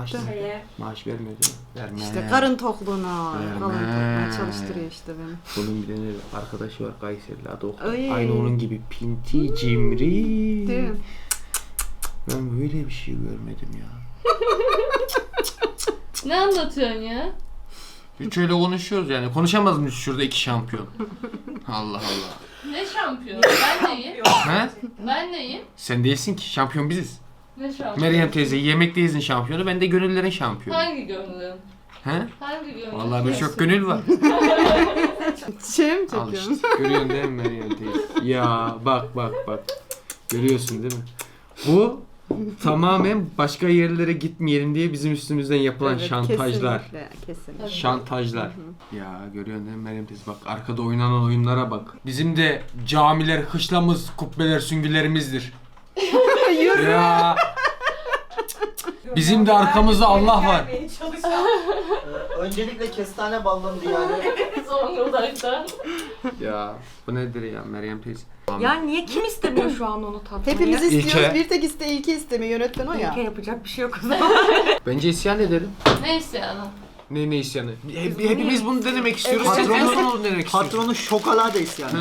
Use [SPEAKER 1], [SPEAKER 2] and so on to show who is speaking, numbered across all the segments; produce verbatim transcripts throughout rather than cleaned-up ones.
[SPEAKER 1] Maaş, maaş vermiyor değil mi? Verme.
[SPEAKER 2] İşte karın tokluğuna,
[SPEAKER 1] Verme.
[SPEAKER 2] karın tokluğuna çalıştırıyor işte beni.
[SPEAKER 1] Bunun bir tane arkadaşı var Kayseri'li adı Oktay.
[SPEAKER 2] Ay.
[SPEAKER 1] Aynı onun gibi pinti, cimri.
[SPEAKER 2] Değil mi?
[SPEAKER 1] Ben böyle bir şey görmedim ya.
[SPEAKER 3] Ne anlatıyorsun ya?
[SPEAKER 1] Hiç öyle konuşuyoruz yani. Konuşamaz mıyız şurada iki şampiyon? Allah Allah.
[SPEAKER 3] Ne şampiyonu? Ben neyim?
[SPEAKER 1] He?
[SPEAKER 3] Ben neyim?
[SPEAKER 1] Sen değilsin ki. Şampiyon biziz.
[SPEAKER 3] Ne şampiyonu?
[SPEAKER 1] Meryem teyze yemekteyiz şampiyonu. Ben de gönüllerin şampiyonu.
[SPEAKER 3] Hangi gönlün?
[SPEAKER 1] He?
[SPEAKER 3] Hangi gönlün?
[SPEAKER 1] Vallahi bir çok gönül var.
[SPEAKER 2] Şey mi
[SPEAKER 1] Al
[SPEAKER 2] çekiyorsun?
[SPEAKER 1] işte. Görüyorsun değil mi Meryem teyze? Ya bak bak bak. Görüyorsun değil mi? Bu tamamen başka yerlere gitmeyelim diye bizim üstümüzden yapılan
[SPEAKER 2] Evet,
[SPEAKER 1] şantajlar.
[SPEAKER 2] Kesinlikle, kesinlikle.
[SPEAKER 1] Şantajlar. Ya görüyorsun değil mi Meryem teyze? Bak arkada oynanan oyunlara bak. Bizim de camiler, hışlamız, kubbeler, süngülerimizdir. Ya. Bizim de arkamızda Allah var.
[SPEAKER 4] Öncelikle kestane ballandı yani.
[SPEAKER 3] Zonguldak'tan.
[SPEAKER 1] Ya bu nedir ya Meryem teyze?
[SPEAKER 5] Yani niye kim istemiyor şu an onu tatmayı?
[SPEAKER 2] Hepimiz
[SPEAKER 1] İlke.
[SPEAKER 2] istiyoruz. Bir tek iste, ilke istemiyor. Yönetmen o ya.
[SPEAKER 5] İlke yapacak bir şey yok o zaman.
[SPEAKER 1] Bence isyan edelim.
[SPEAKER 3] Ne isyanı?
[SPEAKER 1] Ne ne isyanı? Hep, hepimiz bunu denemek istiyoruz.
[SPEAKER 4] Evet.
[SPEAKER 1] Siz en
[SPEAKER 4] Patronu-
[SPEAKER 1] son onu denemek istiyorsunuz.
[SPEAKER 4] Patronu şokolades yani.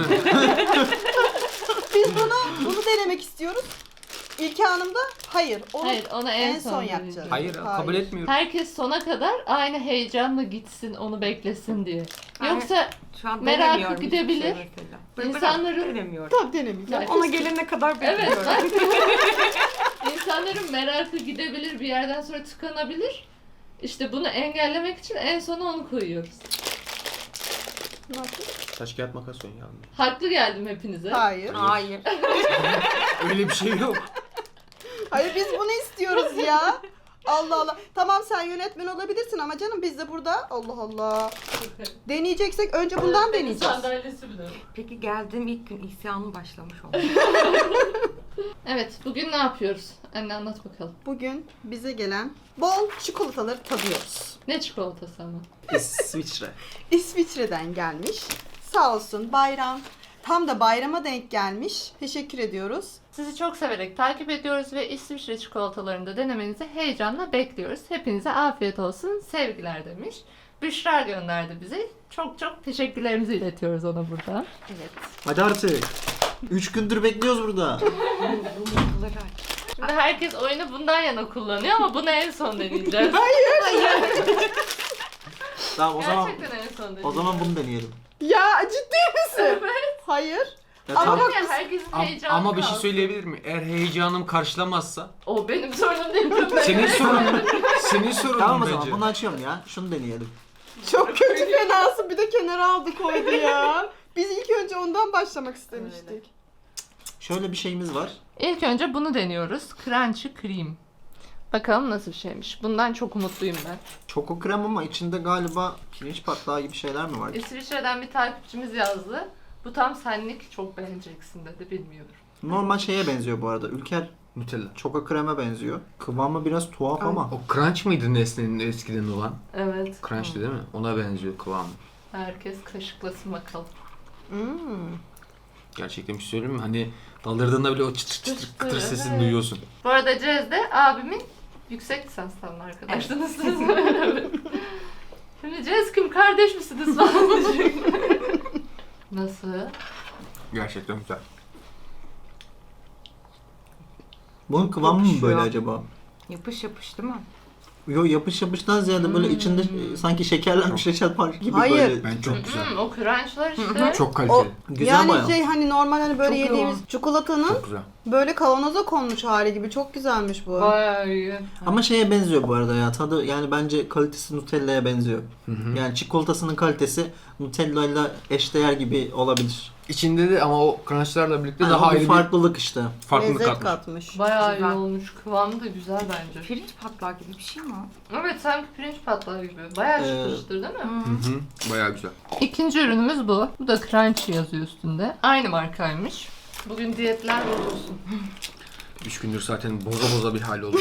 [SPEAKER 2] Biz bunu bunu denemek istiyoruz. İlke Hanım da hayır. Onu
[SPEAKER 3] Hayır, onu en,
[SPEAKER 2] en son
[SPEAKER 3] son
[SPEAKER 2] yapacağız.
[SPEAKER 3] deneyeceğiz.
[SPEAKER 1] Hayır,
[SPEAKER 2] Hayır.
[SPEAKER 1] kabul etmiyorum.
[SPEAKER 3] Herkes sona kadar aynı heyecanla gitsin, onu beklesin diye. Yoksa
[SPEAKER 5] Şu an
[SPEAKER 3] Merakı
[SPEAKER 5] denemiyorum hiçbir
[SPEAKER 3] gidebilir.
[SPEAKER 5] şey mesela. Bırak-
[SPEAKER 3] İnsanların-
[SPEAKER 5] denemiyorum.
[SPEAKER 2] tabii denemeyeceğim.
[SPEAKER 3] Ya,
[SPEAKER 5] Ona gelene kadar
[SPEAKER 3] evet,
[SPEAKER 5] bekliyorum.
[SPEAKER 3] bak. İnsanların merakı gidebilir, bir yerden sonra tıkanabilir. İşte bunu engellemek için en sona onu koyuyoruz.
[SPEAKER 2] Nasıl?
[SPEAKER 1] Taş kağıt makas oyun yavrum.
[SPEAKER 3] Haklı geldim hepinize.
[SPEAKER 2] Hayır.
[SPEAKER 5] Hayır.
[SPEAKER 1] Öyle bir şey yok.
[SPEAKER 2] Hayır biz bunu istiyoruz ya. Allah Allah. Tamam sen yönetmen olabilirsin ama canım biz de burada Allah Allah. Deneyeceksek önce bundan deneyeceğiz.
[SPEAKER 3] Sandalyesi bile.
[SPEAKER 5] Peki geldiğim ilk gün isyanım başlamış oldu.
[SPEAKER 3] Evet, bugün ne yapıyoruz? Anne anlat bakalım.
[SPEAKER 2] Bugün bize gelen bol çikolataları tadıyoruz.
[SPEAKER 3] Ne çikolatası ama?
[SPEAKER 4] İsviçre.
[SPEAKER 2] İsviçre'den gelmiş. Sağ olsun bayram. Tam da bayrama denk gelmiş. Teşekkür ediyoruz.
[SPEAKER 3] Sizi çok severek takip ediyoruz ve İsviçre çikolatalarını da denemenizi heyecanla bekliyoruz. Hepinize afiyet olsun, sevgiler demiş. Büşra gönderdi bize. Çok çok teşekkürlerimizi iletiyoruz ona buradan.
[SPEAKER 2] Evet.
[SPEAKER 4] Hadi artık. Üç gündür bekliyoruz burada.
[SPEAKER 5] Yumurtaları aç.
[SPEAKER 3] Şimdi herkes oyunu bundan yana kullanıyor ama bunu en son deneyeceğiz.
[SPEAKER 4] Tamam o zaman
[SPEAKER 3] Gerçekten en son deneyeceğiz.
[SPEAKER 4] o zaman bunu deneyelim.
[SPEAKER 2] Ya ciddi misin?
[SPEAKER 3] Evet.
[SPEAKER 2] Hayır.
[SPEAKER 4] Ya
[SPEAKER 2] Ama
[SPEAKER 4] tamam.
[SPEAKER 2] bak-
[SPEAKER 3] Ya herkesin
[SPEAKER 1] Am-
[SPEAKER 3] heyecanı
[SPEAKER 1] ama bir şey
[SPEAKER 3] kalsın.
[SPEAKER 1] söyleyebilir mi? Eğer heyecanım karşılamazsa
[SPEAKER 3] O benim sorunum değil. köpek.
[SPEAKER 1] senin sorunun. Senin sorunun
[SPEAKER 4] Tamam o
[SPEAKER 1] bence.
[SPEAKER 4] zaman bunu açıyorum ya. Şunu deneyelim.
[SPEAKER 2] Çok kötü fenası bir de kenara aldı koydu ya. Biz ilk önce ondan başlamak istemiştik.
[SPEAKER 4] Şöyle bir şeyimiz var.
[SPEAKER 3] İlk önce bunu deniyoruz. Crunchy Cream. Bakalım nasıl bir şeymiş. Bundan çok umutluyum ben.
[SPEAKER 4] Çoko krem ama içinde galiba pirinç patlağı gibi şeyler mi var?
[SPEAKER 3] İsviçre'den bir takipçimiz yazdı. Bu tam senlik, çok beğeneceksin dedi, bilmiyorum.
[SPEAKER 4] Normal şeye benziyor bu arada. Ülker
[SPEAKER 1] Nutella.
[SPEAKER 4] çoko kreme benziyor. Kıvamı biraz tuhaf ama.
[SPEAKER 1] O crunch mıydı Nesne'nin eskiden olan?
[SPEAKER 3] Evet.
[SPEAKER 1] Crunch'tı değil mi? Ona benziyor kıvamı.
[SPEAKER 3] Herkes kaşıklasın bakalım.
[SPEAKER 2] Hmm.
[SPEAKER 1] Gerçekten bir şey söyleyeyim mi? Hani daldırdığında bile o çıtır çıtır çıtır kıtır sesini
[SPEAKER 3] Evet.
[SPEAKER 1] duyuyorsun.
[SPEAKER 3] Bu arada Cez de abimin yüksek lisanstan arkadaşınız. Evet. Şimdi Cez kim, kardeş misiniz falan diyecek. Nasıl?
[SPEAKER 1] Gerçekten güzel.
[SPEAKER 4] Bunun kıvamı mı
[SPEAKER 5] Yapışıyor.
[SPEAKER 4] böyle acaba?
[SPEAKER 5] Yapış yapış değil mi?
[SPEAKER 4] Yo yapış yapıştan ziyade böyle içinde e, sanki şekerlenmiş reçel var gibi
[SPEAKER 2] Hayır.
[SPEAKER 4] böyle.
[SPEAKER 1] Ben çok güzel.
[SPEAKER 3] Hmm, o crunchlar işte.
[SPEAKER 1] Çok kaliteli.
[SPEAKER 2] O-
[SPEAKER 4] Güzel
[SPEAKER 2] yani
[SPEAKER 4] bayağı.
[SPEAKER 2] şey hani normal hani böyle
[SPEAKER 5] Çok
[SPEAKER 2] yediğimiz
[SPEAKER 5] yoğun.
[SPEAKER 2] çikolatanın
[SPEAKER 1] Çok güzel.
[SPEAKER 2] böyle kavanoza konmuş hali gibi çok güzelmiş bu.
[SPEAKER 3] Bayağı iyi.
[SPEAKER 4] Ama şeye benziyor bu arada ya. Tadı yani bence kalitesi Nutella'ya benziyor.
[SPEAKER 1] Hı hı.
[SPEAKER 4] Yani çikolatasının kalitesi Nutella'yla eşdeğer gibi olabilir.
[SPEAKER 1] İçinde de ama o crunchlarla birlikte
[SPEAKER 4] Yani
[SPEAKER 1] daha
[SPEAKER 4] o bir
[SPEAKER 1] ayrı
[SPEAKER 4] farklılık işte.
[SPEAKER 1] bir farklılık
[SPEAKER 2] Lezzet
[SPEAKER 1] katmış.
[SPEAKER 2] katmış.
[SPEAKER 3] Bayağı iyi
[SPEAKER 5] Güzel.
[SPEAKER 3] olmuş. Kıvamı da güzel bence.
[SPEAKER 5] Pirinç patlağı gibi bir şey mi o?
[SPEAKER 3] Evet, sanki pirinç patlağı gibi. Bayağı
[SPEAKER 4] Ee,
[SPEAKER 3] çıtır çıtır değil mi?
[SPEAKER 1] Hı hı. Bayağı güzel.
[SPEAKER 3] İkinci ürünümüz bu. Bu da Crunchy yazıyor üstünde. Aynı markaymış. Bugün diyetler bozulsun.
[SPEAKER 1] Üç gündür zaten boza boza bir hal oldu.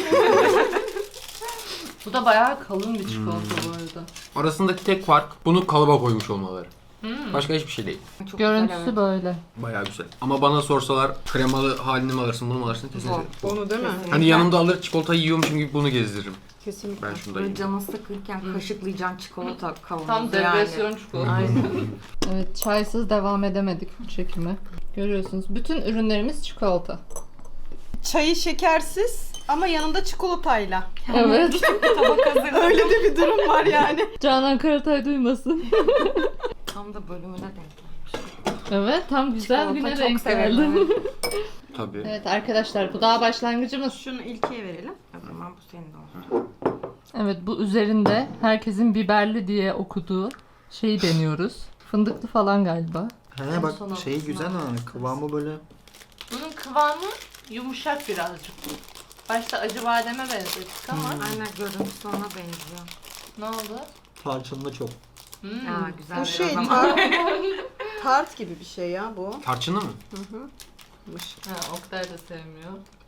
[SPEAKER 3] Bu da bayağı kalın bir çikolata bu arada.
[SPEAKER 1] Arasındaki tek fark bunu kalıba koymuş olmaları.
[SPEAKER 3] Hmm.
[SPEAKER 1] Başka hiçbir şey değil.
[SPEAKER 5] Çok
[SPEAKER 3] Görüntüsü
[SPEAKER 5] güzel, evet.
[SPEAKER 3] böyle.
[SPEAKER 1] Bayağı güzel. Ama bana sorsalar kremalı halini mi alırsın bunu mu alırsın kesin
[SPEAKER 5] Zor.
[SPEAKER 1] seçerim.
[SPEAKER 2] Onu değil mi?
[SPEAKER 5] Kesinlikle.
[SPEAKER 1] Hani yanımda alır çikolatayı yiyormuşum gibi bunu gezdiririm.
[SPEAKER 2] Kesinlikle.
[SPEAKER 1] Ben şunu da
[SPEAKER 5] Böyle
[SPEAKER 1] yiyeyim.
[SPEAKER 5] canın sıkılırken kaşıklayacağın çikolata kavanozu
[SPEAKER 3] Tam depresyon
[SPEAKER 5] yani.
[SPEAKER 3] çikolatası.
[SPEAKER 5] Aynen.
[SPEAKER 3] Evet, çaysız devam edemedik çekime. Görüyorsunuz bütün ürünlerimiz çikolata.
[SPEAKER 2] Çayı şekersiz ama yanında çikolatayla.
[SPEAKER 3] Evet.
[SPEAKER 5] Tabak hazır.
[SPEAKER 2] Öyle de bir durum var yani.
[SPEAKER 3] Canan Karatay duymasın.
[SPEAKER 5] Tam da bölümüne denk gelmiş.
[SPEAKER 3] Evet, tam güzel
[SPEAKER 5] Çikolata
[SPEAKER 3] güne
[SPEAKER 5] çok
[SPEAKER 3] denk
[SPEAKER 5] severim.
[SPEAKER 3] geldi.
[SPEAKER 1] Tabii.
[SPEAKER 3] Evet arkadaşlar, bu daha başlangıcımız.
[SPEAKER 2] Şunu ilkiye verelim.
[SPEAKER 5] O zaman bu senin de olsun.
[SPEAKER 3] Evet, bu üzerinde herkesin biberli diye okuduğu şeyi deniyoruz. Fındıklı falan galiba.
[SPEAKER 4] He
[SPEAKER 3] En
[SPEAKER 4] bak
[SPEAKER 3] son
[SPEAKER 4] şeyi
[SPEAKER 3] olmasına
[SPEAKER 4] güzel ha.
[SPEAKER 3] bakarız.
[SPEAKER 4] Kıvamı böyle.
[SPEAKER 3] Bunun kıvamı yumuşak birazcık. Başta acı bademe benzettik ama
[SPEAKER 5] Aynen görüntüsü ona benziyor.
[SPEAKER 3] ne oldu?
[SPEAKER 4] Tarçınlı çok.
[SPEAKER 3] Hmm.
[SPEAKER 5] Aa güzel
[SPEAKER 2] Bu
[SPEAKER 5] o
[SPEAKER 2] şey
[SPEAKER 5] zaman.
[SPEAKER 2] tart, tart gibi bir şey ya bu.
[SPEAKER 1] Tarçınlı mı?
[SPEAKER 3] Ha, Oktay da sevmiyor.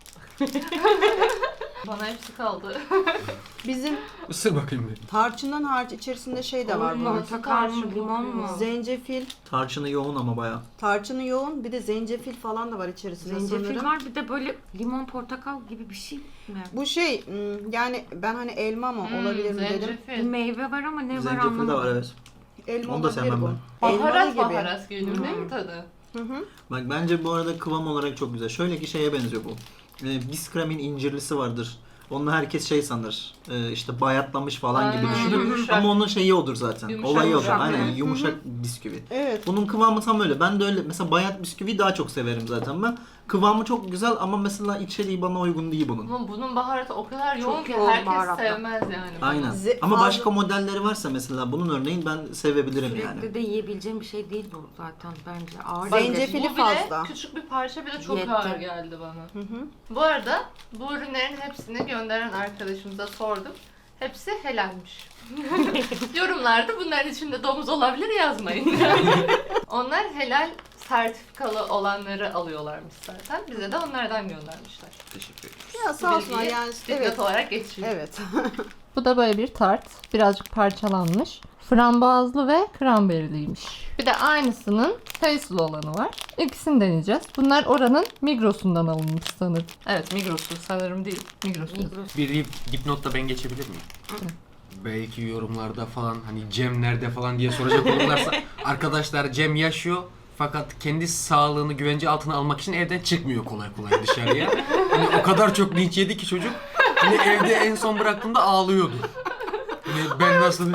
[SPEAKER 3] Bana hepsi kaldı.
[SPEAKER 2] Bizim
[SPEAKER 1] Isır bakayım bir.
[SPEAKER 2] tarçından hariç içerisinde şey de var bunun.
[SPEAKER 5] Portakal mı limon mu?
[SPEAKER 2] Zencefil,
[SPEAKER 4] Tarçını yoğun ama baya.
[SPEAKER 2] tarçını yoğun, bir de zencefil falan da var içerisinde
[SPEAKER 5] Zencefil
[SPEAKER 2] sanırım.
[SPEAKER 5] var bir de böyle limon portakal gibi bir şey mi?
[SPEAKER 2] Bu şey hmm, yani ben hani elma mı
[SPEAKER 3] Hmm,
[SPEAKER 2] olabilir mi dedim.
[SPEAKER 5] Bir
[SPEAKER 3] zencefil.
[SPEAKER 5] meyve var ama ne var
[SPEAKER 4] Zencefil de
[SPEAKER 5] anlamadım.
[SPEAKER 4] var evet.
[SPEAKER 2] Elma
[SPEAKER 4] Onu da
[SPEAKER 2] olabilir
[SPEAKER 4] sevmem
[SPEAKER 2] bu.
[SPEAKER 4] ben.
[SPEAKER 2] Elmalı
[SPEAKER 3] Baharat
[SPEAKER 2] gibi.
[SPEAKER 3] baharat geliyor değil mi
[SPEAKER 5] Hmm.
[SPEAKER 3] tadı?
[SPEAKER 2] Hı hı.
[SPEAKER 4] Bak bence bu arada kıvam olarak çok güzel. Şöyle ki şeye benziyor bu. Ee, Biskremin incirlisi vardır. Onu herkes şey sanır. Ee, işte bayatlamış falan gibi
[SPEAKER 3] Aynen,
[SPEAKER 4] düşünür.
[SPEAKER 3] yumuşak.
[SPEAKER 4] Ama onun şeyi odur zaten.
[SPEAKER 3] Yumuşak,
[SPEAKER 4] Olayı odur.
[SPEAKER 5] yumuşak,
[SPEAKER 4] Aynen
[SPEAKER 5] evet.
[SPEAKER 4] yumuşak bisküvi.
[SPEAKER 2] Evet.
[SPEAKER 4] Bunun kıvamı tam öyle. Ben de öyle. Mesela bayat bisküvi daha çok severim zaten ben. Kıvamı çok güzel ama mesela içeriği bana uygun değil bunun.
[SPEAKER 3] Ama bunun baharatı o kadar
[SPEAKER 5] Çok
[SPEAKER 3] yoğun ki
[SPEAKER 5] yoğun
[SPEAKER 3] herkes
[SPEAKER 5] baharatlı.
[SPEAKER 3] sevmez yani.
[SPEAKER 4] Aynen.
[SPEAKER 2] Ze-
[SPEAKER 4] Ama
[SPEAKER 2] fazla-
[SPEAKER 4] başka modelleri varsa mesela bunun örneğin ben sevebilirim
[SPEAKER 5] Sürekli
[SPEAKER 4] yani.
[SPEAKER 5] de yiyebileceğim bir şey değil bu zaten bence. Ağır
[SPEAKER 2] Zencefil-
[SPEAKER 5] gelir.
[SPEAKER 2] Zencefili
[SPEAKER 3] Bu bile
[SPEAKER 2] fazla.
[SPEAKER 3] küçük bir parça bile çok
[SPEAKER 5] Yetti.
[SPEAKER 3] ağır geldi bana.
[SPEAKER 2] Hı hı.
[SPEAKER 3] Bu arada bu ürünlerin hepsini gönderen arkadaşımıza sordum. Hepsi helalmiş. Yorumlarda bunların içinde domuz olabilir yazmayın. Onlar helal sertifikalı olanları alıyorlarmış zaten. Bize de onlardan göndermişler.
[SPEAKER 1] Teşekkür ederim.
[SPEAKER 2] Ya sağ olsunlar
[SPEAKER 3] Bilgiyi
[SPEAKER 2] yani
[SPEAKER 3] dipnot
[SPEAKER 2] evet.
[SPEAKER 3] olarak geçiyor.
[SPEAKER 2] Evet.
[SPEAKER 3] Bu da böyle bir tart. Birazcık parçalanmış. Frambuazlı ve kranberliymiş. Bir de aynısının kayısılı olanı var. İkisini deneyeceğiz. Bunlar oranın Migros'undan alınmış sanırım. Evet, Migros'u sanırım değil. Migros'u.
[SPEAKER 5] Migros.
[SPEAKER 1] Bir dip- dipnot da ben geçebilir miyim? Belki yorumlarda falan hani Cem nerede falan diye soracak olurlarsa arkadaşlar Cem yaşıyor fakat kendi sağlığını güvence altına almak için evden çıkmıyor kolay kolay dışarıya. Hani o kadar çok linç yedi ki çocuk. Hani evde en son bıraktığımda ağlıyordu. Hani ben nasıl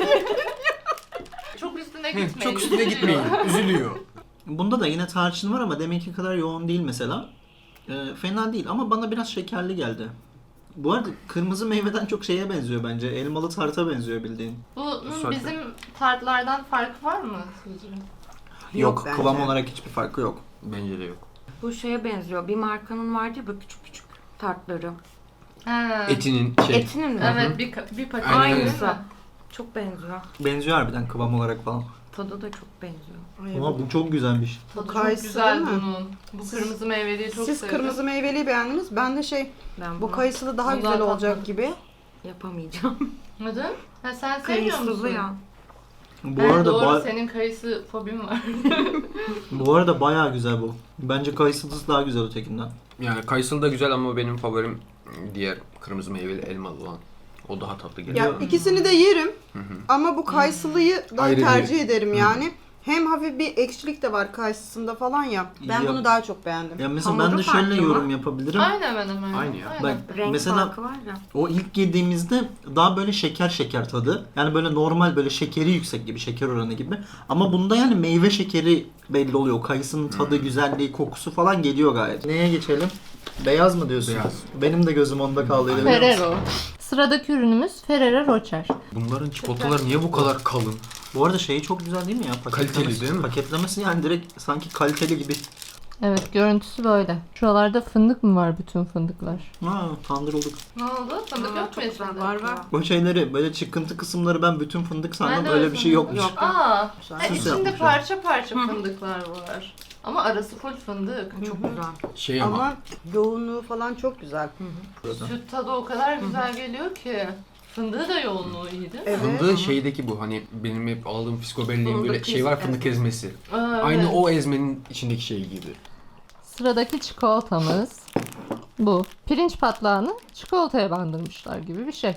[SPEAKER 3] Çok üstüne gitmeyin.
[SPEAKER 1] çok üstüne gitmeyin. Üzülüyor.
[SPEAKER 4] Bunda da yine tarçın var ama deminki kadar yoğun değil mesela. Ee, fena değil ama bana biraz şekerli geldi. Bu arada kırmızı meyveden çok şeye benziyor bence. Elmalı tarta benziyor bildiğin.
[SPEAKER 3] Bunun
[SPEAKER 1] Zaten.
[SPEAKER 3] bizim tartlardan farkı var mı sizce?
[SPEAKER 4] Yok,
[SPEAKER 2] bence.
[SPEAKER 4] kıvam olarak hiçbir farkı yok.
[SPEAKER 1] Bence de yok.
[SPEAKER 5] Bu şeye benziyor. Bir markanın vardı ya böyle küçük küçük tartları.
[SPEAKER 3] Ha.
[SPEAKER 1] Etinin şey.
[SPEAKER 5] Etinin mi?
[SPEAKER 3] Evet, bir, ka- bir paket.
[SPEAKER 1] Aynen öyle.
[SPEAKER 5] Aynısı. Çok benziyor.
[SPEAKER 4] Benziyor harbiden kıvam olarak falan.
[SPEAKER 5] Tadı da çok benziyor.
[SPEAKER 2] Ay,
[SPEAKER 4] Ama bu çok güzelmiş.
[SPEAKER 3] Tadı çok
[SPEAKER 2] Kayısı
[SPEAKER 3] güzel
[SPEAKER 2] değil mi?
[SPEAKER 3] bunun. Bu kırmızı meyveliyi çok
[SPEAKER 2] Siz
[SPEAKER 3] sevdim.
[SPEAKER 2] kırmızı meyveliyi beğendiniz. Ben de şey
[SPEAKER 5] Ben
[SPEAKER 2] bu
[SPEAKER 5] bunu
[SPEAKER 2] kayısılı daha
[SPEAKER 3] Bunu
[SPEAKER 2] güzel
[SPEAKER 3] daha
[SPEAKER 2] olacak
[SPEAKER 3] tatmadım.
[SPEAKER 2] gibi.
[SPEAKER 5] yapamayacağım.
[SPEAKER 3] Neden? Ha, sen sevmiyor musun?
[SPEAKER 5] Kayısılı ya.
[SPEAKER 4] Bu
[SPEAKER 3] Evet,
[SPEAKER 4] arada
[SPEAKER 3] doğru,
[SPEAKER 4] ba-
[SPEAKER 3] senin kayısı fobin var.
[SPEAKER 4] bu arada bayağı güzel bu. Bence kayısılısı daha güzel ötekinden.
[SPEAKER 1] Yani kayısılı da güzel ama benim favorim diğer kırmızı meyveli elmalı olan. O daha tatlı geliyor.
[SPEAKER 2] Ya ikisini de yerim ama bu kayısılıyı daha
[SPEAKER 1] Ayrı bir-
[SPEAKER 2] tercih ederim yani. Hem hafif bir ekşilik de var kayısısında falan ya. Ben
[SPEAKER 4] Ya-
[SPEAKER 2] bunu daha çok beğendim.
[SPEAKER 4] Ya mesela
[SPEAKER 5] Hamuru
[SPEAKER 4] ben de şöyle
[SPEAKER 5] farklı mı?
[SPEAKER 4] yorum yapabilirim.
[SPEAKER 3] Aynı hemen hemen.
[SPEAKER 1] Aynı ya.
[SPEAKER 4] Bak
[SPEAKER 5] Renk
[SPEAKER 4] mesela
[SPEAKER 5] farkı var ya.
[SPEAKER 4] o ilk yediğimizde daha böyle şeker şeker tadı. Yani böyle normal böyle şekeri yüksek gibi, şeker oranı gibi. Ama bunda yani meyve şekeri belli oluyor. Kayısının tadı, güzelliği, kokusu falan geliyor gayet. Neye geçelim? Beyaz mı diyorsun?
[SPEAKER 1] Beyaz.
[SPEAKER 4] Benim de gözüm onda kaldı. biliyor musun?
[SPEAKER 3] Ferrero. Sıradaki ürünümüz Ferrero Rocher.
[SPEAKER 1] Bunların çikolataları niye bu kadar kalın?
[SPEAKER 4] Bu arada şeyi çok güzel değil mi ya? Paketlemesi,
[SPEAKER 1] Kaliteli değil mi?
[SPEAKER 4] Paketlemesi yani direkt sanki kaliteli gibi.
[SPEAKER 3] Evet, görüntüsü böyle. Şuralarda fındık mı var, bütün fındıklar?
[SPEAKER 4] Ha, kandırıldık.
[SPEAKER 3] Ne oldu? Fındık
[SPEAKER 5] Aa,
[SPEAKER 3] yok mu
[SPEAKER 5] çok güzel.
[SPEAKER 3] içinde?
[SPEAKER 2] Var, var.
[SPEAKER 4] O şeyleri böyle çıkıntı kısımları ben bütün fındık
[SPEAKER 3] Ben
[SPEAKER 4] sandım.
[SPEAKER 3] de
[SPEAKER 4] Öyle
[SPEAKER 3] öyle
[SPEAKER 4] bir şey
[SPEAKER 3] sandım.
[SPEAKER 4] yokmuş.
[SPEAKER 5] Yok.
[SPEAKER 3] Aa,
[SPEAKER 2] Güzel.
[SPEAKER 3] ha,
[SPEAKER 4] Süs
[SPEAKER 3] içinde
[SPEAKER 4] yapmışlar.
[SPEAKER 3] parça parça fındıklar var. Ama arası full fındık.
[SPEAKER 5] Çok güzel.
[SPEAKER 1] Şey ama,
[SPEAKER 2] Ama yoğunluğu falan çok güzel.
[SPEAKER 3] Süt tadı o kadar güzel geliyor ki. Fındığı da yoğunluğu iyiydi.
[SPEAKER 2] Evet.
[SPEAKER 1] fındığı şeydeki bu hani benim hep aldığım fiskobelliğin böyle
[SPEAKER 5] Fındık
[SPEAKER 1] şey var
[SPEAKER 5] ezmesi.
[SPEAKER 1] fındık ezmesi.
[SPEAKER 3] Aa,
[SPEAKER 1] Aynı
[SPEAKER 3] evet.
[SPEAKER 1] o ezmenin içindeki şey gibi.
[SPEAKER 3] Sıradaki çikolatamız bu. Pirinç patlağını çikolataya bandırmışlar gibi bir şey.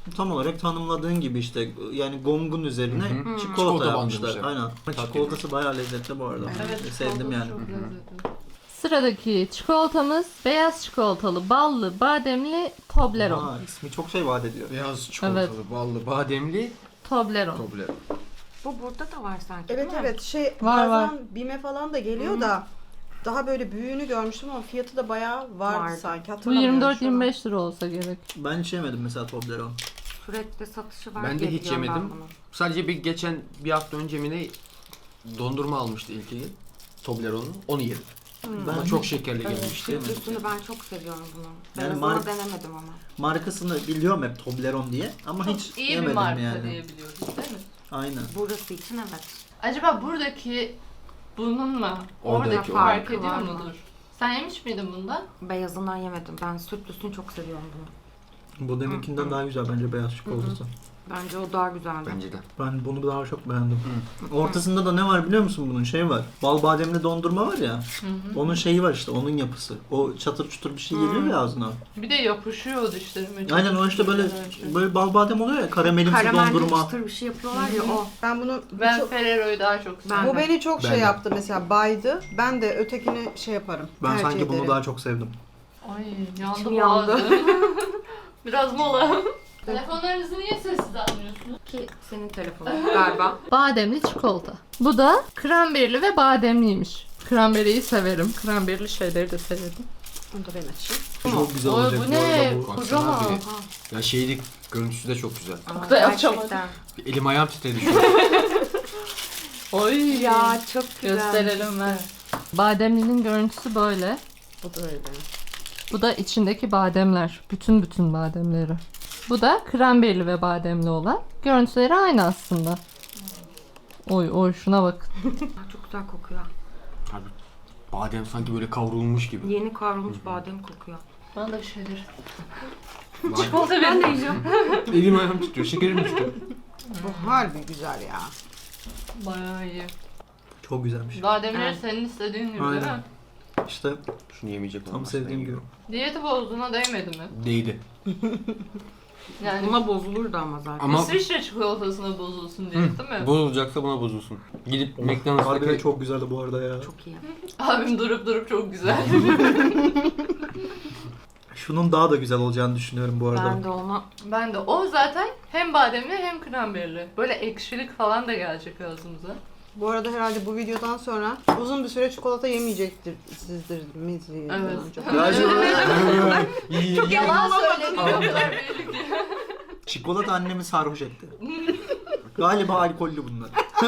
[SPEAKER 4] Tam olarak tanımladığın gibi işte yani gongun üzerine
[SPEAKER 1] Hı hı.
[SPEAKER 4] çikolata,
[SPEAKER 1] Çikolata
[SPEAKER 4] yapmışlar.
[SPEAKER 1] bandırmışlar.
[SPEAKER 4] Aynen.
[SPEAKER 1] Tatlı.
[SPEAKER 4] Çikolatası bayağı lezzetli bu arada.
[SPEAKER 3] Evet,
[SPEAKER 4] Sevdim
[SPEAKER 3] çikolatası
[SPEAKER 4] yani.
[SPEAKER 3] çok lezzetli. Sıradaki çikolatamız beyaz çikolatalı, ballı, bademli Toblerone.
[SPEAKER 4] Aa, ismi çok şey vaat ediyor.
[SPEAKER 1] Beyaz çikolatalı, ballı, bademli,
[SPEAKER 3] Toblerone.
[SPEAKER 1] Toblerone.
[SPEAKER 5] Bu burada da var sanki
[SPEAKER 2] Evet
[SPEAKER 5] değil mi?
[SPEAKER 2] evet şey
[SPEAKER 3] Var,
[SPEAKER 2] bazen
[SPEAKER 3] var.
[SPEAKER 2] Bime falan da geliyor da daha böyle büyüğünü görmüştüm ama fiyatı da bayağı vardı,
[SPEAKER 5] Vardı.
[SPEAKER 2] sanki
[SPEAKER 3] Bu
[SPEAKER 2] hatırlamıyorum
[SPEAKER 3] yirmi dört
[SPEAKER 2] şu an.
[SPEAKER 3] yirmi beş lira olsa gerek.
[SPEAKER 4] Ben hiç yemedim mesela Toblerone.
[SPEAKER 5] Sürekli satışı var
[SPEAKER 1] Ben de
[SPEAKER 5] diye
[SPEAKER 1] hiç
[SPEAKER 5] biliyorum ben
[SPEAKER 1] yemedim.
[SPEAKER 5] bunu.
[SPEAKER 1] Sadece bir geçen bir hafta önce mi ne dondurma almıştı ilk gün. Toblerone'un. Onu yedim.
[SPEAKER 4] Ben
[SPEAKER 1] Ama çok şekerli
[SPEAKER 3] Evet.
[SPEAKER 1] gelmişti.
[SPEAKER 5] Sütlüsünü ben çok seviyorum bunu.
[SPEAKER 4] Yani
[SPEAKER 5] Ben
[SPEAKER 4] mar-
[SPEAKER 5] onu denemedim ama.
[SPEAKER 4] markasını biliyorum hep Toblerone diye ama
[SPEAKER 3] Çok
[SPEAKER 4] hiç
[SPEAKER 3] iyi bir
[SPEAKER 4] yemedim
[SPEAKER 3] marka
[SPEAKER 4] yani.
[SPEAKER 3] diyebiliyoruz değil mi?
[SPEAKER 4] Aynen.
[SPEAKER 5] Burası için evet.
[SPEAKER 3] Acaba buradaki bununla
[SPEAKER 1] Oradaki
[SPEAKER 3] oradaki
[SPEAKER 1] o.
[SPEAKER 3] fark
[SPEAKER 5] Farkı
[SPEAKER 3] ediyor
[SPEAKER 5] var mı?
[SPEAKER 3] mudur? Sen yemiş miydin bundan?
[SPEAKER 5] Beyazından yemedim. Ben sütlüsünü çok seviyorum bunu.
[SPEAKER 4] Bu deminkinden daha güzel bence beyaz çikolatası.
[SPEAKER 5] Bence o daha güzeldi.
[SPEAKER 1] Bence de.
[SPEAKER 4] Ben bunu daha çok beğendim. Ortasında da ne var biliyor musun bunun? Şey var. Bal bademli dondurma var ya. Onun şeyi var işte, onun yapısı. O çatır çutur bir şey geliyor ya ağzına.
[SPEAKER 3] Bir de yapışıyor dişlerime. çok
[SPEAKER 4] Aynen o işte böyle
[SPEAKER 3] güzel.
[SPEAKER 4] böyle bal badem oluyor ya, karamelimsi
[SPEAKER 5] Karamelli
[SPEAKER 4] dondurma.
[SPEAKER 5] çıtır bir şey yapıyorlar ya o.
[SPEAKER 2] Ben bunu
[SPEAKER 3] Ben
[SPEAKER 2] çok-
[SPEAKER 3] Ferrero'yu daha çok seviyorum.
[SPEAKER 5] Ben
[SPEAKER 2] bu
[SPEAKER 5] de.
[SPEAKER 2] beni çok
[SPEAKER 1] Ben
[SPEAKER 2] şey
[SPEAKER 1] de.
[SPEAKER 2] yaptı mesela, baydı. Ben de ötekini şey yaparım.
[SPEAKER 4] Ben
[SPEAKER 2] tercih
[SPEAKER 4] sanki bunu
[SPEAKER 2] ederim.
[SPEAKER 4] daha çok sevdim.
[SPEAKER 3] Ay yandı
[SPEAKER 5] İçim yandı.
[SPEAKER 3] boğazım. Biraz mola. Telefonlarınızı niye sessiz almıyorsunuz?
[SPEAKER 5] Ki senin telefonun galiba.
[SPEAKER 3] Bademli çikolata. Bu da kranberili ve bademliymiş. Kranberiyi severim. Kranberili şeyleri de severim.
[SPEAKER 2] Onu da ben açayım.
[SPEAKER 4] Çok güzel
[SPEAKER 3] Oy,
[SPEAKER 4] olacak
[SPEAKER 3] bu
[SPEAKER 4] bu arada
[SPEAKER 3] ne?
[SPEAKER 4] bu.
[SPEAKER 3] Kocaman.
[SPEAKER 1] Baksana bir- Ya şeylik görüntüsü de çok güzel.
[SPEAKER 5] Aa,
[SPEAKER 3] da yapacağım
[SPEAKER 5] gerçekten.
[SPEAKER 1] Bir elim ayağım titredi şu an.
[SPEAKER 3] Oy.
[SPEAKER 5] Ya çok güzel.
[SPEAKER 3] Gösterelim ver. Bademlinin görüntüsü böyle.
[SPEAKER 2] Bu da öyle.
[SPEAKER 3] Bu da içindeki bademler. Bütün bütün bademleri. Bu da kranberili ve bademli olan. Görüntüleri aynı aslında. Oy oy şuna bak.
[SPEAKER 5] Aa, çok güzel kokuyor.
[SPEAKER 1] Abi, badem sanki böyle kavrulmuş gibi.
[SPEAKER 5] Yeni kavrulmuş badem kokuyor.
[SPEAKER 3] Bana da bir şeyler.
[SPEAKER 1] Badem.
[SPEAKER 3] Çikolata ben de yiyeceğim.
[SPEAKER 1] Elim ayağım titriyor, şekerim düştü.
[SPEAKER 2] Bu harbi güzel ya.
[SPEAKER 3] Bayağı iyi.
[SPEAKER 4] Çok güzelmiş.
[SPEAKER 3] Bademleri
[SPEAKER 5] Evet.
[SPEAKER 3] senin istediğin gibi değil
[SPEAKER 4] Aynen.
[SPEAKER 3] mi?
[SPEAKER 4] İşte
[SPEAKER 1] Şunu yemeyecek
[SPEAKER 4] tam
[SPEAKER 1] olmaz.
[SPEAKER 4] sevdiğim gibi.
[SPEAKER 3] Diyeti bozduğuna değmedi mi?
[SPEAKER 1] Değdi.
[SPEAKER 3] Yani
[SPEAKER 5] Buna bozulurdu ama zaten.
[SPEAKER 1] Ama
[SPEAKER 3] İsviçre çikolatasına bozulsun diye değil mi?
[SPEAKER 1] bozulacaksa buna bozulsun. Gidip
[SPEAKER 4] Harbiden
[SPEAKER 1] McDonald's'taki
[SPEAKER 4] çok güzeldi bu arada ya.
[SPEAKER 5] Çok iyi.
[SPEAKER 3] Abim durup durup çok güzel.
[SPEAKER 4] Şunun daha da güzel olacağını düşünüyorum bu arada.
[SPEAKER 5] Ben de onu
[SPEAKER 3] Ben de o zaten hem bademli hem kranberili. Böyle ekşilik falan da gelecek ağzımıza.
[SPEAKER 2] Bu arada herhalde bu videodan sonra uzun bir süre çikolata yemeyecektir sizdir mi?
[SPEAKER 3] Evet.
[SPEAKER 4] Ya şu-
[SPEAKER 3] Çok yalan söyleniyor o kadar belli ki.
[SPEAKER 4] Çikolata annemi sarhoş etti. Galiba alkollü bunlar.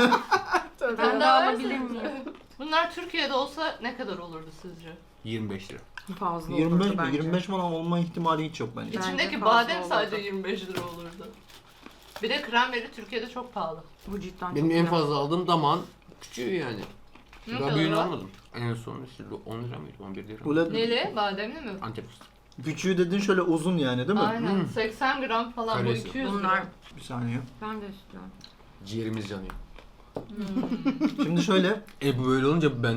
[SPEAKER 3] Ben de
[SPEAKER 5] alabilir
[SPEAKER 3] alabilir
[SPEAKER 5] miyim?
[SPEAKER 3] Bunlar Türkiye'de olsa ne kadar olurdu sizce?
[SPEAKER 1] yirmi beş lira.
[SPEAKER 5] fazla
[SPEAKER 4] yirmi beş
[SPEAKER 5] olurdu
[SPEAKER 4] mi?
[SPEAKER 5] bence.
[SPEAKER 4] yirmi beş falan olma ihtimali hiç yok bence.
[SPEAKER 5] Bence
[SPEAKER 3] İçindeki
[SPEAKER 5] fazla
[SPEAKER 3] badem
[SPEAKER 5] olurdu.
[SPEAKER 3] sadece yirmi beş lira olurdu. Bir de kranberi Türkiye'de çok pahalı.
[SPEAKER 5] Bu cidden
[SPEAKER 1] Benim
[SPEAKER 5] çok
[SPEAKER 1] en
[SPEAKER 5] güzel.
[SPEAKER 1] fazla aldığım damağın küçüğü yani.
[SPEAKER 3] Ne
[SPEAKER 1] Daha
[SPEAKER 3] kadar
[SPEAKER 1] büyüğünü
[SPEAKER 3] var?
[SPEAKER 1] almadım. En son işte on lira mıydı? on bir lira mı?
[SPEAKER 4] Böyle
[SPEAKER 3] Neli? Bademli mi?
[SPEAKER 1] Antep fıstığı.
[SPEAKER 4] küçüğü dediğin şöyle uzun yani değil mi?
[SPEAKER 3] Aynen.
[SPEAKER 1] Hmm.
[SPEAKER 3] seksen gram falan bu
[SPEAKER 1] Karesi.
[SPEAKER 3] iki yüz
[SPEAKER 5] Bunlar
[SPEAKER 3] gram.
[SPEAKER 4] Bir saniye.
[SPEAKER 5] ben de istiyorum.
[SPEAKER 1] Ciğerimiz yanıyor.
[SPEAKER 4] Şimdi şöyle.
[SPEAKER 1] E bu böyle olunca ben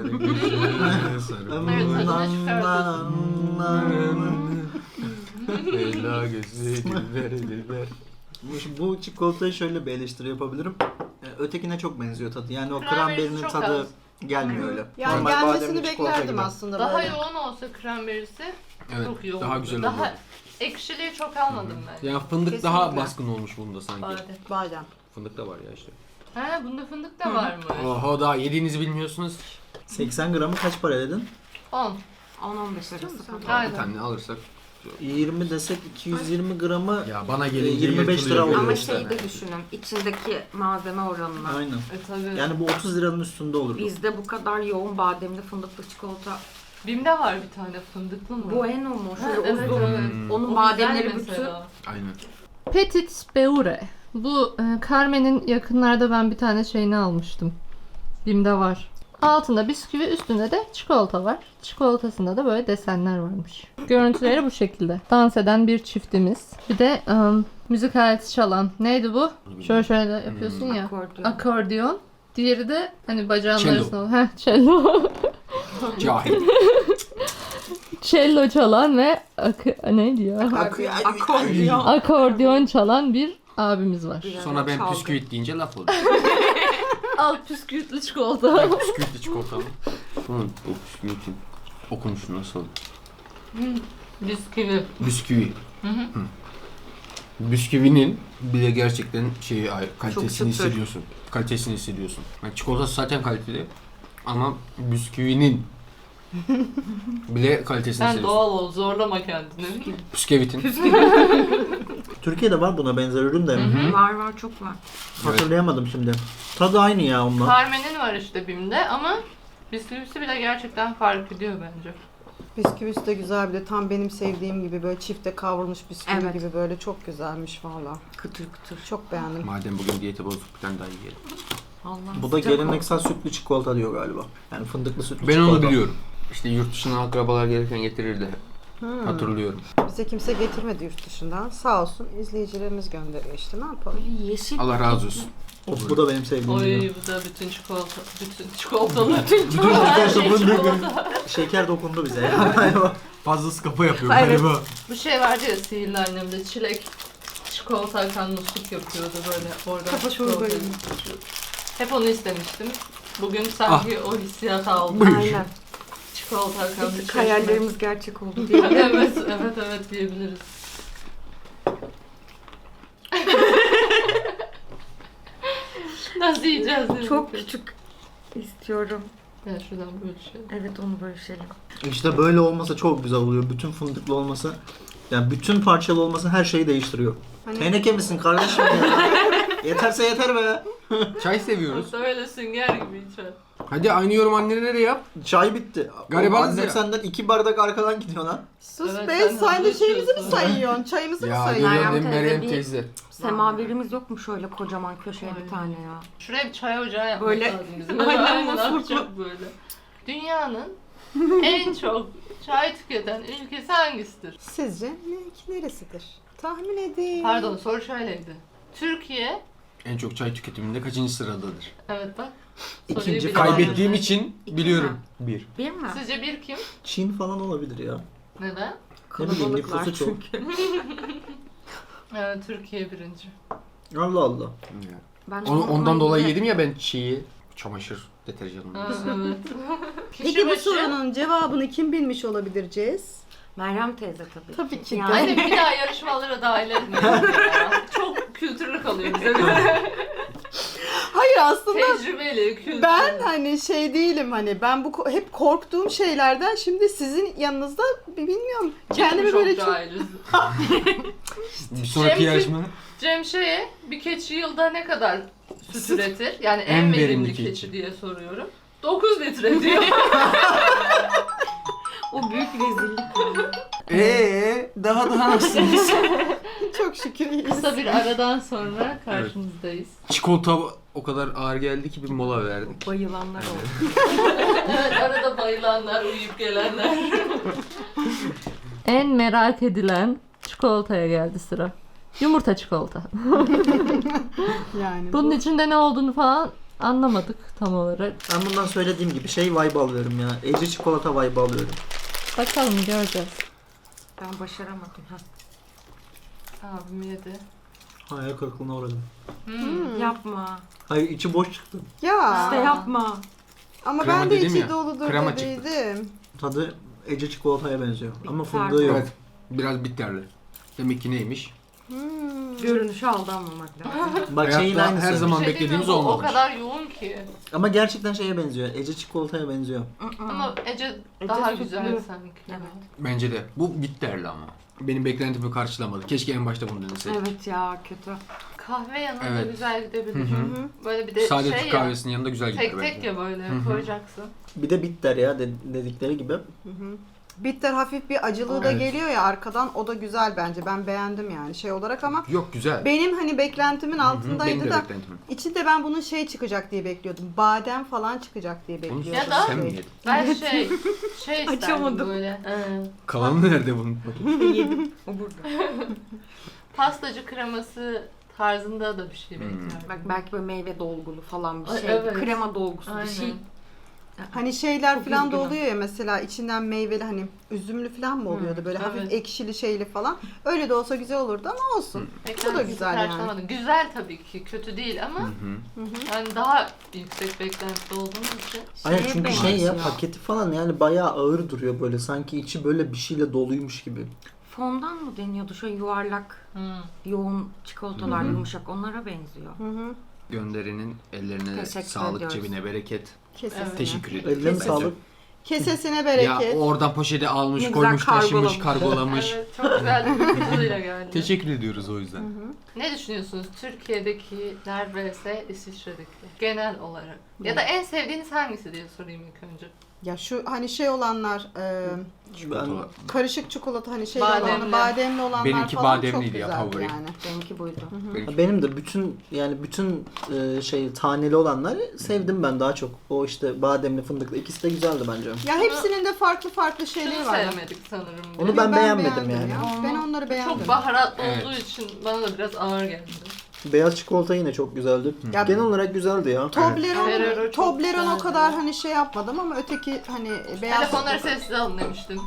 [SPEAKER 1] güzel sarım.
[SPEAKER 3] Evet, tadını çıkartıyorsun.
[SPEAKER 1] Ela gözü diller diller.
[SPEAKER 4] Şimdi bu çikolatayı şöyle bir eleştiri yapabilirim. Ee, Ötekine çok benziyor tadı. Yani o
[SPEAKER 3] Kranberisi
[SPEAKER 4] kranberinin
[SPEAKER 3] çok
[SPEAKER 4] tadı
[SPEAKER 3] az.
[SPEAKER 4] gelmiyor öyle.
[SPEAKER 2] Yani
[SPEAKER 4] Normal
[SPEAKER 2] gelmesini
[SPEAKER 4] bademli çikolata
[SPEAKER 2] beklerdim
[SPEAKER 4] gibi.
[SPEAKER 2] aslında
[SPEAKER 3] Daha
[SPEAKER 2] böyle.
[SPEAKER 3] yoğun olsa kranberisi
[SPEAKER 1] Evet,
[SPEAKER 3] çok iyi olurdu.
[SPEAKER 1] daha güzel
[SPEAKER 3] Daha
[SPEAKER 1] olurdu.
[SPEAKER 3] ekşiliği çok almadım ben.
[SPEAKER 1] Ya fındık daha
[SPEAKER 2] Kesinlikle.
[SPEAKER 1] baskın olmuş bunda sanki.
[SPEAKER 3] Badem.
[SPEAKER 2] Badem.
[SPEAKER 1] Fındık da var ya işte.
[SPEAKER 3] He bunda fındık da varmış.
[SPEAKER 1] Oho daha yediğinizi bilmiyorsunuz.
[SPEAKER 4] seksen gramı kaç para dedin?
[SPEAKER 3] on.
[SPEAKER 5] on on beş arası falan.
[SPEAKER 3] Aynen.
[SPEAKER 1] Bir tane alırsak.
[SPEAKER 4] yirmi desek iki yüz yirmi gramı
[SPEAKER 1] Ya bana
[SPEAKER 4] E,
[SPEAKER 1] gelince
[SPEAKER 4] yirmi beş lira
[SPEAKER 1] yırtılıyor
[SPEAKER 4] oluyor
[SPEAKER 5] Ama
[SPEAKER 4] işte.
[SPEAKER 5] şeyi de düşünün. İçindeki malzeme oranına.
[SPEAKER 4] aynen.
[SPEAKER 3] E tabii.
[SPEAKER 4] Yani bu otuz liranın üstünde olurdu.
[SPEAKER 5] Bizde bu kadar yoğun bademli fındıklı çikolata.
[SPEAKER 3] Bim'de var bir tane fındıklı mı?
[SPEAKER 5] Bueno mu?
[SPEAKER 3] Ha,
[SPEAKER 5] Şöyle
[SPEAKER 3] evet,
[SPEAKER 5] uzun.
[SPEAKER 3] evet.
[SPEAKER 1] Hmm.
[SPEAKER 5] Onun
[SPEAKER 3] O
[SPEAKER 5] bademleri
[SPEAKER 3] güzel
[SPEAKER 5] bütün.
[SPEAKER 3] mesela.
[SPEAKER 1] Aynen.
[SPEAKER 3] Petit Beurre. Bu e, Carmen'in yakınlarda ben bir tane şeyini almıştım. Bim'de var. Altında bisküvi, üstünde de çikolata var. Çikolatasında da böyle desenler varmış. Görüntüleri bu şekilde. Dans eden bir çiftimiz. Bir de ım, müzik aleti çalan. Neydi bu? Şöyle şöyle yapıyorsun ya.
[SPEAKER 5] Akordeon.
[SPEAKER 3] Akordeon. Diğeri de hani bacağın
[SPEAKER 1] Cello.
[SPEAKER 3] arasında. Heh, cello.
[SPEAKER 1] Cahil.
[SPEAKER 3] cello çalan ve ak- ne diyor?
[SPEAKER 5] Akordeon.
[SPEAKER 3] Akordeon çalan bir abimiz var.
[SPEAKER 5] Bir ara
[SPEAKER 1] Sonra ben
[SPEAKER 5] çaldı.
[SPEAKER 1] püsküvit deyince laf oluyor.
[SPEAKER 3] Al püskürtlü çikolata.
[SPEAKER 1] Ben püsküvitli çikolatalı. Bunun o püsküvitin okunuşu nasıl?
[SPEAKER 3] Bisküvi.
[SPEAKER 1] Bisküvi. Hı. Bisküvinin bile gerçekten şeyi ay- kalitesini
[SPEAKER 5] çıtır.
[SPEAKER 1] hissediyorsun. Kalitesini hissediyorsun. Yani çikolatası zaten kaliteli ama bisküvinin bile kalitesini
[SPEAKER 3] Sen
[SPEAKER 1] hissediyorsun.
[SPEAKER 3] doğal ol, zorlama kendini.
[SPEAKER 1] Bisküvitin.
[SPEAKER 4] Türkiye'de var buna benzer ürün de.
[SPEAKER 5] Var var çok var.
[SPEAKER 4] Hatırlayamadım şimdi. Tadı aynı ya onunla.
[SPEAKER 3] Carmen'in var işte BİM'de ama bisküvisi bile gerçekten fark ediyor bence.
[SPEAKER 2] Bisküvisi de güzel, bir de tam benim sevdiğim gibi böyle çifte kavrulmuş bisküvi
[SPEAKER 5] Evet.
[SPEAKER 2] gibi, böyle çok güzelmiş valla.
[SPEAKER 5] Kıtır kıtır.
[SPEAKER 2] Çok beğendim.
[SPEAKER 1] Madem bugün diyeti bozduk bir tane daha yiyelim.
[SPEAKER 5] Allah.
[SPEAKER 4] Bu da
[SPEAKER 5] sıcak
[SPEAKER 4] geleneksel sütlü çikolata diyor galiba. Yani fındıklı sütlü
[SPEAKER 1] Ben
[SPEAKER 4] çikolata.
[SPEAKER 1] onu biliyorum. İşte yurt dışından akrabalar gelirken getirirdi.
[SPEAKER 2] Hmm.
[SPEAKER 1] Hatırlıyorum.
[SPEAKER 2] Bize kimse getirmedi yurt dışından. Sağ olsun izleyicilerimiz gönderiyor işte, ne yapalım.
[SPEAKER 5] Böyle yeşil.
[SPEAKER 1] Allah razı olsun.
[SPEAKER 4] Of, bu da benim sevdiğim
[SPEAKER 3] Oy
[SPEAKER 4] ürün.
[SPEAKER 3] bu da bütün çikolata, bütün çikolatalı.
[SPEAKER 4] Bütün
[SPEAKER 3] Her şey
[SPEAKER 4] fındık.
[SPEAKER 3] çikolata.
[SPEAKER 4] Şeker dokundu bize ya.
[SPEAKER 1] Fazlası kafa yapıyor
[SPEAKER 5] Evet.
[SPEAKER 1] galiba.
[SPEAKER 3] Bu şey vardı ya sihirli annemde çilek çikolata akan musluk yapıyordu böyle oradan
[SPEAKER 5] Kafa
[SPEAKER 3] çikolata
[SPEAKER 5] çorbayı.
[SPEAKER 3] yapıyordu. Hep onu istemiştim. Bugün sanki o hissiyatı aldım.
[SPEAKER 1] Buyur.
[SPEAKER 5] Aynen.
[SPEAKER 3] Çikolata akan bir
[SPEAKER 5] Bir tık
[SPEAKER 3] şey.
[SPEAKER 5] hayallerimiz gerçek oldu diye.
[SPEAKER 3] evet, evet, evet diyebiliriz. Nasıl yiyeceğiz dedik.
[SPEAKER 5] Çok küçük istiyorum.
[SPEAKER 3] Ya şuradan böyle şey.
[SPEAKER 5] Evet onu bölüşelim.
[SPEAKER 4] İşte böyle olmasa çok güzel oluyor. Bütün fındıklı olması, yani bütün parçalı olması her şeyi değiştiriyor.
[SPEAKER 2] Hani-
[SPEAKER 4] Teneke misin kardeşim ya? Yeterse yeter be.
[SPEAKER 1] Çay seviyoruz.
[SPEAKER 3] Yoksa öyle sünger gibi içer.
[SPEAKER 1] Hadi aynı yorum annene de yap.
[SPEAKER 4] Çay bitti.
[SPEAKER 1] Garibanız
[SPEAKER 4] Annem
[SPEAKER 1] ya.
[SPEAKER 4] senden iki bardak arkadan gidiyor lan.
[SPEAKER 2] Sus
[SPEAKER 3] Evet,
[SPEAKER 2] be,
[SPEAKER 3] sen
[SPEAKER 2] sen de
[SPEAKER 3] hızlı
[SPEAKER 2] şeyimizi mi
[SPEAKER 3] içiyorsun.
[SPEAKER 2] sayıyorsun? Çayımızı mı
[SPEAKER 1] Ya
[SPEAKER 2] sayıyorsun?
[SPEAKER 1] görüyorum
[SPEAKER 5] Meryem
[SPEAKER 1] değil mi Meryem
[SPEAKER 5] teyze bir-
[SPEAKER 1] teyze?
[SPEAKER 5] Semaverimiz yok mu şöyle kocaman köşeye
[SPEAKER 3] Ay.
[SPEAKER 5] bir tane ya?
[SPEAKER 3] Şuraya bir çay ocağı yapmak
[SPEAKER 5] Böyle-
[SPEAKER 3] lazım bizim.
[SPEAKER 5] Aynen,
[SPEAKER 3] Aynen
[SPEAKER 5] mutfaklı.
[SPEAKER 3] yapacak böyle. Dünyanın en çok çay tüketen ülkesi hangisidir?
[SPEAKER 2] Sizce ne, neresidir? Tahmin edin.
[SPEAKER 3] Pardon soru şöyleydi. Türkiye,
[SPEAKER 1] En çok çay tüketiminde kaçıncı sıradadır?
[SPEAKER 3] evet bak.
[SPEAKER 4] İkinci
[SPEAKER 3] soruyu bilemedin.
[SPEAKER 4] falan.
[SPEAKER 1] Kaybettiğim için
[SPEAKER 5] İki
[SPEAKER 1] biliyorum.
[SPEAKER 5] mi?
[SPEAKER 1] Bir.
[SPEAKER 5] Bir mi?
[SPEAKER 3] Sizce bir kim?
[SPEAKER 4] Çin falan olabilir ya.
[SPEAKER 3] Neden?
[SPEAKER 4] Ne bileyim,
[SPEAKER 5] Kalabalıklar
[SPEAKER 4] nüfusu çok.
[SPEAKER 5] çünkü.
[SPEAKER 3] Evet, Türkiye birinci.
[SPEAKER 4] Allah Allah.
[SPEAKER 5] Ben
[SPEAKER 1] Onu,
[SPEAKER 5] onu
[SPEAKER 1] ondan dolayı
[SPEAKER 5] yine-
[SPEAKER 1] yedim ya ben çiği. Çamaşır deterjanını.
[SPEAKER 3] Ha, evet. Kişi
[SPEAKER 2] Peki bu
[SPEAKER 3] başı-
[SPEAKER 2] sorunun cevabını kim bilmiş olabilir Cez?
[SPEAKER 5] Meryem teyze tabii.
[SPEAKER 2] Tabii ki de.
[SPEAKER 5] Yani
[SPEAKER 3] Anne bir daha yarışmalara dahil etmeyin ya. Çok kültürlü kalıyor bize.
[SPEAKER 2] Hayır aslında
[SPEAKER 3] Tecrübeli, kültürlü.
[SPEAKER 2] ben hani şey değilim, hani ben bu ko- hep korktuğum şeylerden şimdi sizin yanınızda bi- bilmiyorum. Kendimi böyle çok...
[SPEAKER 3] cahiliz.
[SPEAKER 1] Bir sonraki
[SPEAKER 3] Cem-
[SPEAKER 1] yarışma.
[SPEAKER 3] Cem şeye, bir keçi yılda ne kadar süt üretir? Yani en,
[SPEAKER 1] En
[SPEAKER 3] verimli,
[SPEAKER 1] verimli
[SPEAKER 3] keçi.
[SPEAKER 1] keçi.
[SPEAKER 3] diye soruyorum. dokuz litre diyor.
[SPEAKER 5] o büyük rezillik.
[SPEAKER 1] Eee daha daha nasılsınız?
[SPEAKER 2] Çok şükür iyiyiz.
[SPEAKER 3] Kısa bir aradan sonra karşınızdayız.
[SPEAKER 1] Çikolata o kadar ağır geldi ki bir mola verdik.
[SPEAKER 5] Bayılanlar oldu.
[SPEAKER 3] Evet, arada bayılanlar, uyuyup gelenler. En merak edilen çikolataya geldi sıra. Yumurta çikolata.
[SPEAKER 2] Yani
[SPEAKER 3] Bunun
[SPEAKER 2] bu-
[SPEAKER 3] içinde ne olduğunu falan anlamadık tam olarak.
[SPEAKER 4] Ben bundan söylediğim gibi şey vibe alıyorum ya. Ece çikolata vibe alıyorum.
[SPEAKER 3] Bakalım göreceğiz.
[SPEAKER 5] Ben başaramadım. Ha.
[SPEAKER 3] Abim yedi.
[SPEAKER 4] Hayal kırıklığına uğradım.
[SPEAKER 3] Hmm.
[SPEAKER 5] Yapma.
[SPEAKER 4] Hayır içi boş çıktı.
[SPEAKER 2] Ya
[SPEAKER 5] İşte yapma.
[SPEAKER 2] ama
[SPEAKER 1] Krema
[SPEAKER 2] ben de
[SPEAKER 1] dedim
[SPEAKER 2] içi
[SPEAKER 1] ya,
[SPEAKER 2] doludur
[SPEAKER 1] krema çıktı.
[SPEAKER 2] dediydim.
[SPEAKER 4] Tadı Ece çikolataya benziyor. Ama
[SPEAKER 5] Bitter.
[SPEAKER 4] fındığı yok.
[SPEAKER 1] Evet. Biraz bitterli. Demek ki neymiş?
[SPEAKER 2] Hmm.
[SPEAKER 5] Görünüşe aldanmamak lazım.
[SPEAKER 4] Bak şeyin
[SPEAKER 1] Hayatta
[SPEAKER 4] aynısı.
[SPEAKER 1] her zaman
[SPEAKER 3] Bir şey diyeyim mi?
[SPEAKER 1] beklediğimiz
[SPEAKER 3] Bu
[SPEAKER 1] olmamış.
[SPEAKER 3] O kadar yoğun ki.
[SPEAKER 4] Ama gerçekten şeye benziyor. Ece çikolataya benziyor.
[SPEAKER 3] Ama Ece
[SPEAKER 5] Ece
[SPEAKER 3] daha
[SPEAKER 5] sütlü.
[SPEAKER 3] güzel sanki.
[SPEAKER 5] Evet.
[SPEAKER 1] Bence de. Bu bitterli ama. Benim beklentimi karşılamadı. Keşke en başta bunu deneseydim.
[SPEAKER 5] Evet ya kötü.
[SPEAKER 3] Kahve yanında
[SPEAKER 1] Evet.
[SPEAKER 3] güzel gidebilir.
[SPEAKER 1] Hı hı.
[SPEAKER 3] Böyle bir de
[SPEAKER 1] Sade
[SPEAKER 3] şey
[SPEAKER 1] Türk
[SPEAKER 3] ya.
[SPEAKER 1] kahvesinin yanında güzel gider
[SPEAKER 3] Tek
[SPEAKER 1] bence.
[SPEAKER 3] tek ya böyle
[SPEAKER 1] Hı hı.
[SPEAKER 3] koyacaksın.
[SPEAKER 4] Bir de bitter ya de- dedikleri gibi.
[SPEAKER 2] Hı hı. Bitter hafif bir acılığı da
[SPEAKER 1] Evet.
[SPEAKER 2] geliyor ya arkadan, o da güzel bence. Ben beğendim yani şey olarak ama
[SPEAKER 1] Yok güzel.
[SPEAKER 2] benim hani beklentimin
[SPEAKER 1] Hı hı,
[SPEAKER 2] altındaydı
[SPEAKER 1] benim de
[SPEAKER 2] da
[SPEAKER 1] beklentim.
[SPEAKER 2] içinde ben bunun şey çıkacak diye bekliyordum. Badem falan çıkacak diye
[SPEAKER 1] Onu
[SPEAKER 2] bekliyordum.
[SPEAKER 3] Ya da-
[SPEAKER 1] sen mi yedin?
[SPEAKER 3] Ben şey, şey isterdim
[SPEAKER 5] Açamadım.
[SPEAKER 3] böyle. e,
[SPEAKER 1] Kalanı nerede bunun?
[SPEAKER 5] Yedim. O burada.
[SPEAKER 3] pastacı kreması tarzında da bir şey
[SPEAKER 1] Hmm.
[SPEAKER 3] beklerdim.
[SPEAKER 5] Bak belki böyle meyve dolgulu falan bir
[SPEAKER 3] Ay,
[SPEAKER 5] şey.
[SPEAKER 3] evet.
[SPEAKER 5] Krema dolgusu
[SPEAKER 3] Aynen.
[SPEAKER 5] bir şey.
[SPEAKER 2] Hani şeyler
[SPEAKER 5] Çok
[SPEAKER 2] falan da
[SPEAKER 5] üzgünüm.
[SPEAKER 2] oluyor ya, mesela içinden meyveli, hani üzümlü falan mı oluyordu, böyle hafif
[SPEAKER 3] evet.
[SPEAKER 2] ekşili şeyli falan. Öyle de olsa güzel olurdu ama olsun. Bu da güzel yani.
[SPEAKER 3] Karşılamadım. Güzel tabii ki, kötü değil ama
[SPEAKER 1] Hı hı.
[SPEAKER 3] yani daha yüksek beklentide olduğumuz için.
[SPEAKER 4] Aynen
[SPEAKER 5] Şeye
[SPEAKER 4] çünkü şey ya
[SPEAKER 5] benziyor.
[SPEAKER 4] paketi falan yani bayağı ağır duruyor böyle. Sanki içi böyle bir şeyle doluymuş gibi.
[SPEAKER 5] Fondan mı deniyordu? Şöyle yuvarlak,
[SPEAKER 3] Hmm.
[SPEAKER 5] yoğun çikolatalar yumuşak. Onlara benziyor.
[SPEAKER 2] Hı hı.
[SPEAKER 1] Gönderinin ellerine
[SPEAKER 5] Teşekkür
[SPEAKER 1] sağlık,
[SPEAKER 5] ediyoruz.
[SPEAKER 1] cebine bereket.
[SPEAKER 2] Kesesine.
[SPEAKER 3] Evet.
[SPEAKER 1] Teşekkür ederim.
[SPEAKER 4] Ellerine
[SPEAKER 1] Bence.
[SPEAKER 4] sağlık.
[SPEAKER 2] Kesesine bereket.
[SPEAKER 1] Ya oradan poşeti almış,
[SPEAKER 5] Ne güzel
[SPEAKER 1] koymuş, taşımış,
[SPEAKER 5] kargolamış.
[SPEAKER 1] kargolamış.
[SPEAKER 3] Evet, çok güzel bir kutuyla geldi.
[SPEAKER 1] Teşekkür ediyoruz o yüzden.
[SPEAKER 3] Ne düşünüyorsunuz Türkiye'dekiler vs İsviçre'dekiler genel olarak? Ya da en sevdiğiniz hangisi diye sorayım ilk önce.
[SPEAKER 2] Ya şu hani şey olanlar, e,
[SPEAKER 4] Ben
[SPEAKER 2] karışık çikolata, hani şey
[SPEAKER 3] Bademli.
[SPEAKER 2] olanlar, bademli olanlar
[SPEAKER 1] Benimki
[SPEAKER 2] falan
[SPEAKER 1] bademliydi
[SPEAKER 2] çok
[SPEAKER 1] ya,
[SPEAKER 2] güzeldi
[SPEAKER 1] favorim.
[SPEAKER 2] yani.
[SPEAKER 5] Benimki buydu.
[SPEAKER 1] Benimki-
[SPEAKER 4] benim de bütün yani bütün e, şey taneli olanları sevdim ben daha çok. O işte bademli fındıklı ikisi de güzeldi bence.
[SPEAKER 2] Ya hepsinin de farklı farklı şeyleri
[SPEAKER 3] Şunu
[SPEAKER 2] var.
[SPEAKER 3] sevmedik sanırım.
[SPEAKER 4] Onu
[SPEAKER 3] biz.
[SPEAKER 4] ben beğenmedim
[SPEAKER 2] beğendim
[SPEAKER 4] yani.
[SPEAKER 2] ya. Ben onları beğendim.
[SPEAKER 3] Çok baharatlı
[SPEAKER 1] Evet.
[SPEAKER 3] olduğu için bana da biraz ağır geldi.
[SPEAKER 4] Beyaz çikolata yine çok güzeldi.
[SPEAKER 2] Ya-
[SPEAKER 4] Genel olarak güzeldi ya.
[SPEAKER 2] Toblerone,
[SPEAKER 3] Ferrero çok
[SPEAKER 2] Toblerone o
[SPEAKER 3] güzeldi.
[SPEAKER 2] kadar hani şey yapmadım ama öteki hani beyaz
[SPEAKER 3] Telefonları
[SPEAKER 2] çikolata-
[SPEAKER 3] sessiz alın demiştim.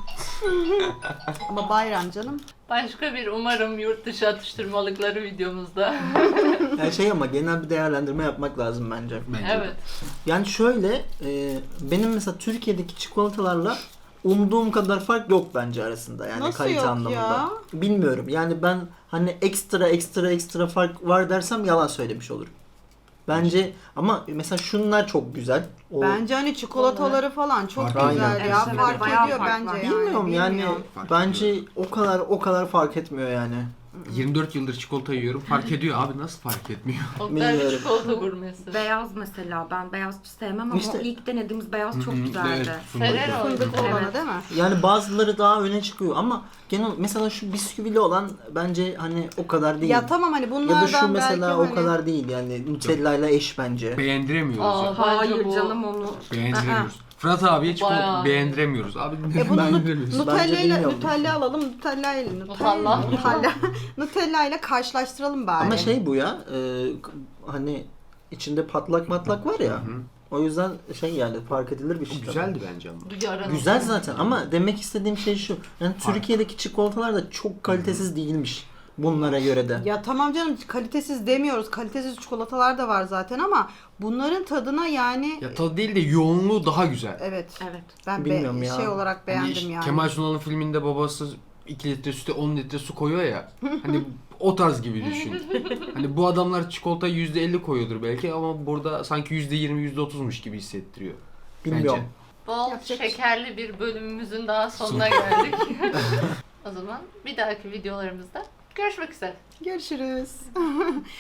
[SPEAKER 2] ama bayram canım.
[SPEAKER 3] Başka bir umarım yurt dışı atıştırmalıkları videomuzda.
[SPEAKER 4] Yani şey ama genel bir değerlendirme yapmak lazım bence.
[SPEAKER 1] Bence de.
[SPEAKER 3] Evet.
[SPEAKER 4] Yani şöyle e, benim mesela Türkiye'deki çikolatalarla umduğum kadar fark yok bence arasında yani
[SPEAKER 2] Nasıl
[SPEAKER 4] kalite
[SPEAKER 2] yok
[SPEAKER 4] anlamında.
[SPEAKER 2] ya?
[SPEAKER 4] Bilmiyorum yani ben hani ekstra ekstra ekstra fark var dersem yalan söylemiş olurum. Bence ama mesela şunlar çok güzel. O,
[SPEAKER 2] Bence hani çikolataları falan çok
[SPEAKER 1] Fark
[SPEAKER 2] güzel
[SPEAKER 4] ediyor.
[SPEAKER 2] ya.
[SPEAKER 5] Evet,
[SPEAKER 2] Fark
[SPEAKER 5] bayağı
[SPEAKER 2] ediyor
[SPEAKER 5] fark
[SPEAKER 2] bence
[SPEAKER 5] var.
[SPEAKER 2] yani.
[SPEAKER 4] bilmiyorum yani
[SPEAKER 2] bilmiyorum.
[SPEAKER 1] Fark
[SPEAKER 4] bence o kadar o kadar fark etmiyor yani.
[SPEAKER 1] yirmi dört yıldır çikolata yiyorum. Fark ediyor abi, nasıl fark etmiyor?
[SPEAKER 3] Oktay bir
[SPEAKER 4] Bilmiyorum.
[SPEAKER 3] çikolata gurmesi.
[SPEAKER 5] Beyaz mesela. Ben beyaz sevmem ama
[SPEAKER 4] İşte-
[SPEAKER 5] o ilk denediğimiz beyaz çok
[SPEAKER 1] Hı hı,
[SPEAKER 5] güzeldi.
[SPEAKER 1] evet, fındık.
[SPEAKER 3] Ferrero.
[SPEAKER 2] Fındık olanı
[SPEAKER 5] Evet.
[SPEAKER 2] değil mi?
[SPEAKER 4] Yani bazıları daha öne çıkıyor ama genel mesela şu bisküvili olan bence hani o kadar değil.
[SPEAKER 2] Ya tamam hani
[SPEAKER 4] Ya
[SPEAKER 2] bunlardan
[SPEAKER 4] da şu mesela
[SPEAKER 2] belki
[SPEAKER 4] o
[SPEAKER 2] hani...
[SPEAKER 4] kadar değil yani Nutella ile eş bence.
[SPEAKER 1] Beğendiremiyoruz
[SPEAKER 3] Aa,
[SPEAKER 1] ya.
[SPEAKER 5] Hayır
[SPEAKER 3] Bence bu-
[SPEAKER 5] canım onu.
[SPEAKER 1] Beğendiremiyoruz. Fırat abiye çikolata
[SPEAKER 3] Bayağı.
[SPEAKER 1] beğendiremiyoruz. Abi
[SPEAKER 2] E bunu
[SPEAKER 1] beğendiremiyoruz.
[SPEAKER 2] Nutella ile
[SPEAKER 4] bilmiyorum.
[SPEAKER 2] Nutella alalım. Nutella ile
[SPEAKER 3] Nutella.
[SPEAKER 2] Nutella Nutella ile karşılaştıralım bari.
[SPEAKER 4] Ama şey bu ya e, hani içinde patlak matlak var ya.
[SPEAKER 1] Hı.
[SPEAKER 4] O yüzden şey yani fark edilir bir şey.
[SPEAKER 1] O güzeldi bence ama.
[SPEAKER 3] Bir ara
[SPEAKER 4] Güzel
[SPEAKER 3] nasıl-
[SPEAKER 4] zaten ama demek istediğim şey şu. Yani
[SPEAKER 1] Fark.
[SPEAKER 4] Türkiye'deki çikolatalar da çok kalitesiz değilmiş bunlara göre de.
[SPEAKER 2] Ya tamam canım, kalitesiz demiyoruz. Kalitesiz çikolatalar da var zaten ama bunların tadına yani
[SPEAKER 1] Ya tadı değil de yoğunluğu daha güzel.
[SPEAKER 2] evet.
[SPEAKER 5] Evet.
[SPEAKER 2] Ben
[SPEAKER 4] Bilmiyorum
[SPEAKER 2] be-
[SPEAKER 4] ya.
[SPEAKER 2] şey olarak beğendim
[SPEAKER 1] Hani
[SPEAKER 2] yani.
[SPEAKER 1] Kemal Sunal'ın filminde babası iki litre süte on litre su koyuyor ya. Hani o tarz gibi düşün. Hani bu adamlar çikolata yüzde elli koyuyordur belki ama burada sanki yüzde yirmi yüzde otuzmuş gibi hissettiriyor.
[SPEAKER 4] Bilmiyorum.
[SPEAKER 3] Bol
[SPEAKER 2] Yapacak bir şey.
[SPEAKER 3] şekerli bir bölümümüzün daha sonuna geldik. O zaman bir dahaki videolarımızda görüşmek üzere.
[SPEAKER 2] Görüşürüz.